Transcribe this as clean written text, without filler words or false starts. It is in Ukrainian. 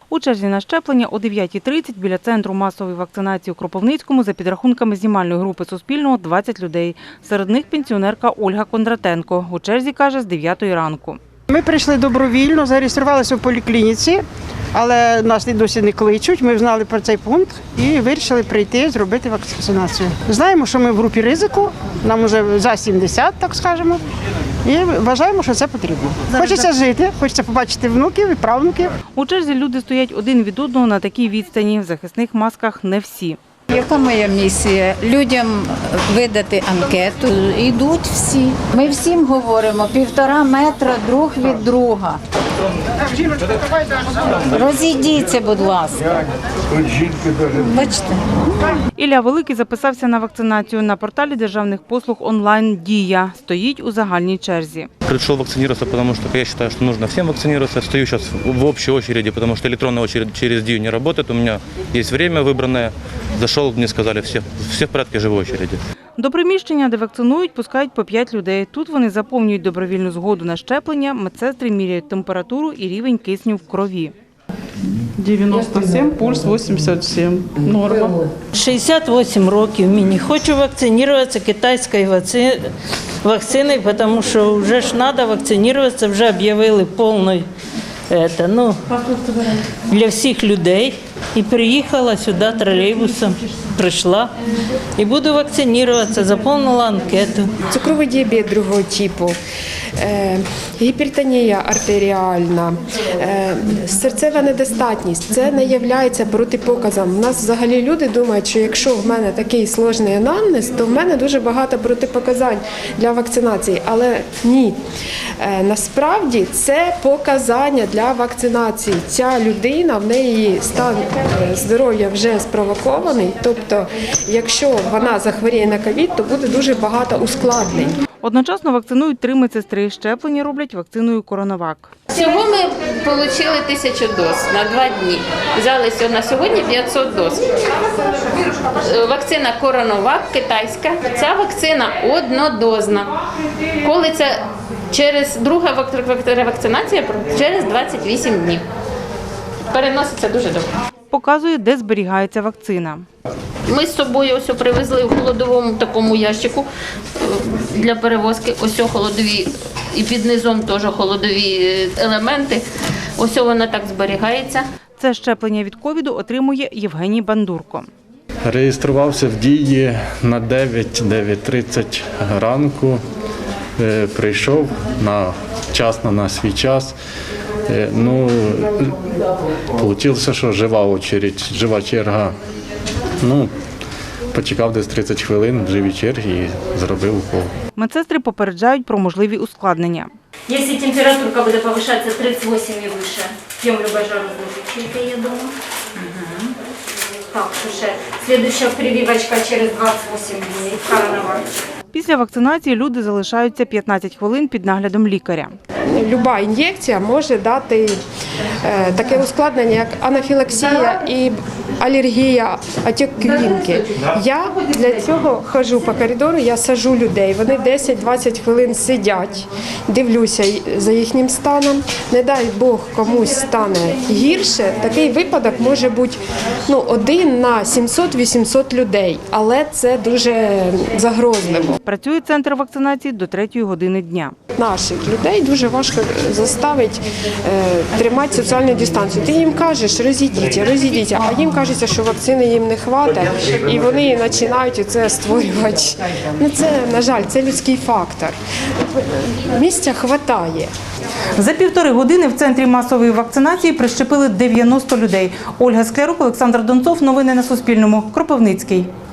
У черзі на щеплення о 9:30 біля центру масової вакцинації у Кропивницькому за підрахунками знімальної групи Суспільного 20 людей. Серед них пенсіонерка Ольга Кондратенко. У черзі, каже, з 9 ранку. Ми прийшли добровільно, зареєструвалися в поліклініці, але нас і досі не кличуть. Ми знали про цей пункт і вирішили прийти, зробити вакцинацію. Знаємо, що ми в групі ризику, нам вже за 70, так скажемо, і вважаємо, що це потрібно. Хочеться жити, хочеться побачити внуків і правнуків. У черзі люди стоять один від одного на такій відстані. В захисних масках не всі. Яка моя місія? Людям видати анкету. Йдуть всі. Ми всім говоримо 1,5 метра друг від друга. Розійдіться, будь ласка. Бачите? Ілля Великий записався на вакцинацію на порталі державних послуг онлайн «Дія». Стоїть у загальній черзі. Пришел вакцинироваться, потому что я считаю, что нужно всем вакцинироваться. Стою сейчас в общей очереди, потому что электронная очередь через Дию не работает. У меня есть время выбранное. Зашел, мне сказали, все в порядке живой очереди. До приміщення, де вакцинують, пускають по 5 людей. Тут вони заповнюють добровільну згоду на щеплення, медсестри міряють температуру і рівень кисню в крові. 97, пульс 87. Норма. 68 років мені. Хочу вакцинуватися китайською вакциною, тому що вже ж треба вакцинуватися, вже об'явили повний для всіх людей. І приїхала сюди тролейбусом, прийшла і буду вакцинуватися, заповнила анкету. Цукровий діабет другого типу, гіпертонія артеріальна, серцева недостатність – це не є протипоказом. У нас взагалі люди думають, що якщо в мене такий складний анамнез, то в мене дуже багато протипоказань для вакцинації. Але ні, насправді це показання для вакцинації. Ця людина, в неї стан здоров'я вже спровокований, тобто якщо вона захворіє на ковід, то буде дуже багато ускладнень. Одночасно вакцинують 3 медсестри. Щеплення роблять вакциною «Коронавак». Всього ми отримали 1000 доз на 2 дні. Взялися на сьогодні 500 доз. Вакцина «Коронавак» китайська. Ця вакцина однодозна. Коли це друга вакцинація через 28 днів. Переноситься дуже добре. Показує, де зберігається вакцина. Ми з собою ось привезли в холодовому такому ящику для перевозки. Ось холодові і під низом теж холодові елементи. Ось вона так зберігається. Це щеплення від ковіду отримує Євгеній Бандурко. Реєструвався в Дії на 9:30 ранку. Прийшов вчасно на свій час. Вийшло, що жива черга. Почекав десь 30 хвилин в живій черзі і зробив укол. Медсестри попереджають про можливі ускладнення. Если температура буде повышаться 38 и выше, пьем любое жарознижитель, я думаю. Так, уже следующая прививочка через 28 дней. «Коронавак». Після вакцинації люди залишаються 15 хвилин під наглядом лікаря. Люба ін'єкція може дати таке ускладнення, як анафілаксія і алергія, отек квінки. Я для цього ходжу по коридору, я саджу людей. Вони 10-20 хвилин сидять, дивлюся за їхнім станом. Не дай Бог комусь стане гірше. Такий випадок може бути 1 на 700-800 людей, але це дуже загрозливо. Працює центр вакцинації до 3 години дня. Наших людей дуже важко заставити тримати соціальну дистанцію. Ти їм кажеш, розійдіться, а їм кажеться, що вакцини їм не вистачає, і вони починають це створювати. Це, на жаль, це людський фактор. Місця вистачає. За 1,5 години в центрі масової вакцинації прищепили 90 людей. Ольга Склярук, Олександр Донцов. Новини на Суспільному. Кропивницький.